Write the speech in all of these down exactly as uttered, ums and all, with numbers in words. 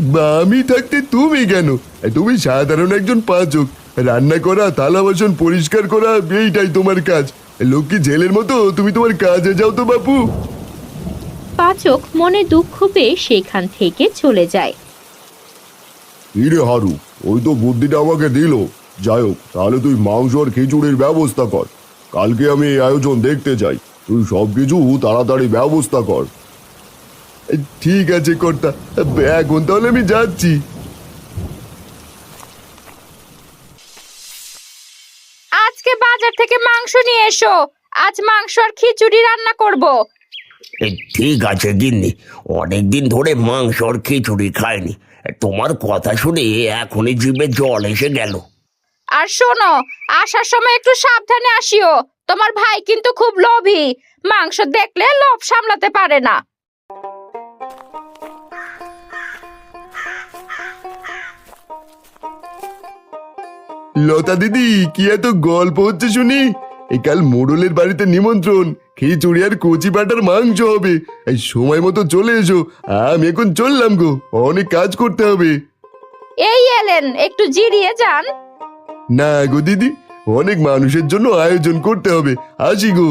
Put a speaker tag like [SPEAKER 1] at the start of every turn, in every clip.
[SPEAKER 1] আমি থাকতে তুমি কেন? তুমি সাধারণ একজন পাচক। রান্না করা, থালা বাসন পরিষ্কার করা, এইটাই তোমার কাজ। লক্ষ্মী ছেলের মতো তুমি তোমার কাজে যাও তো বাপু।
[SPEAKER 2] পাচক মনে দুঃখ পেয়ে সেখান থেকে চলে যায়।
[SPEAKER 1] ইরে হারু, ওই তো বুদ্ধিটা আমাকে দিল। যাই হোক, তাহলে তুই মাংস আর খিচুড়ির ব্যবস্থা কর। কালকে আমি এই আয়োজন দেখতে চাই। তুই সবকিছু তাড়াতাড়ি ব্যবস্থা কর। ঠিক আছে কর্তা, এখন তাহলে আমি যাচ্ছি।
[SPEAKER 2] আজকে বাজার থেকে মাংস নিয়ে এসো, আজ মাংস আর খিচুড়ি রান্না করব।
[SPEAKER 3] এ, ঠিক আছে গিন্নি, অনেকদিন ধরে মাংস আর খিচুড়ি খাইনি। তোমার কথা শুনে এখনই জিভে জল এসে গেল।
[SPEAKER 2] আর শোনো, আসার সময় একটু সাবধানে আসিও। তোমার ভাই কিন্তু খুব লোভী, মাংস দেখলে লোভ সামলাতে পারে না।
[SPEAKER 1] লতা দিদি, কি এত গল্প হচ্ছে শুনি? এই কাল মোড়লের বাড়িতে নিমন্ত্রণ, খিচুড়ি আর কচি পাটার মাংস হবে। এই সময় মতো চলে এসো। আমি এখন চললাম গো, অনেক কাজ করতে হবে।
[SPEAKER 2] এই এলেন, একটু জিরিয়ে যান।
[SPEAKER 1] না গো দিদি, অনেক মানুষের জন্য আয়োজন করতে হবে। আসি গো।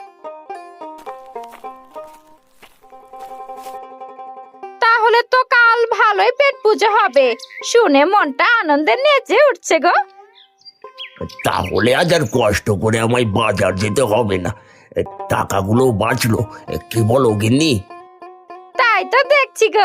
[SPEAKER 2] তাহলে তো কাল ভালোই পেট পুজো হবে, শুনে মনটা আনন্দে নেচে উঠছে গো।
[SPEAKER 3] তাহলে আজ আর কষ্ট করে আমায় বাজার যেতে হবে না। এ, টাকাগুলো বাঁচলো। এ, কি বলো গিন্নি?
[SPEAKER 2] তাই তো দেখছি গো।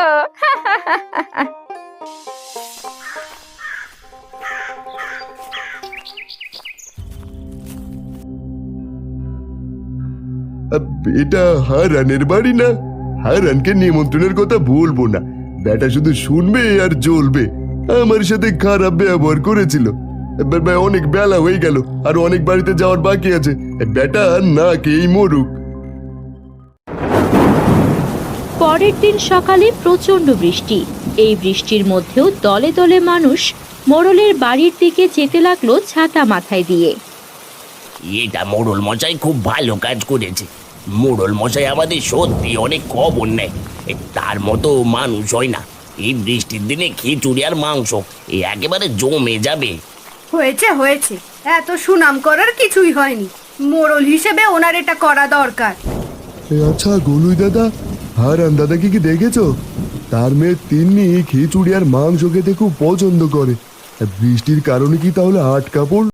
[SPEAKER 1] আব, এটা হারানের বাড়ি না? হারানকে নিমন্ত্রণের কথা বলবো না। বেটা শুধু শুনবে আর জ্বলবে। আমার সাথে খারাপ ব্যবহার করেছিল। বে- বে- অনেক বেলা হয়ে গেল, আর অনেক বাড়িতে যাওয়ার বাকি আছে। বেটা না খেয়েই মরুক।
[SPEAKER 2] পরের দিন সকালে প্রচন্ড বৃষ্টি। এই বৃষ্টির মধ্যেও দলে দলে মানুষ মোড়লের বাড়ির দিকে যেতে লাগলো ছাতা মাথায় দিয়ে।
[SPEAKER 3] এটা মোড়ল মশাই খুব ভালো কাজ করেছে। মোড়ল মশাই আমাদের সত্যি অনেক খবর নেয়। এ, তার মতো মানুষ হয় না। এই বৃষ্টির দিনে খিচুড়ি আর মাংস এ একেবারে জমে যাবে।
[SPEAKER 4] হয়েছে হয়েছে, এত সুনাম করার কিছুই হয়নি। মোড়ল হিসেবে ওনার এটা করা দরকার।
[SPEAKER 1] আচ্ছা গলুই দাদা, হারান দাদাকে কি দেখেছো? তার মেয়ে তিন্নি খিচুড়ি আর মাংস খেতে খুব পছন্দ করে। বৃষ্টির কারণে কি তাহলে আটকা পড়ল?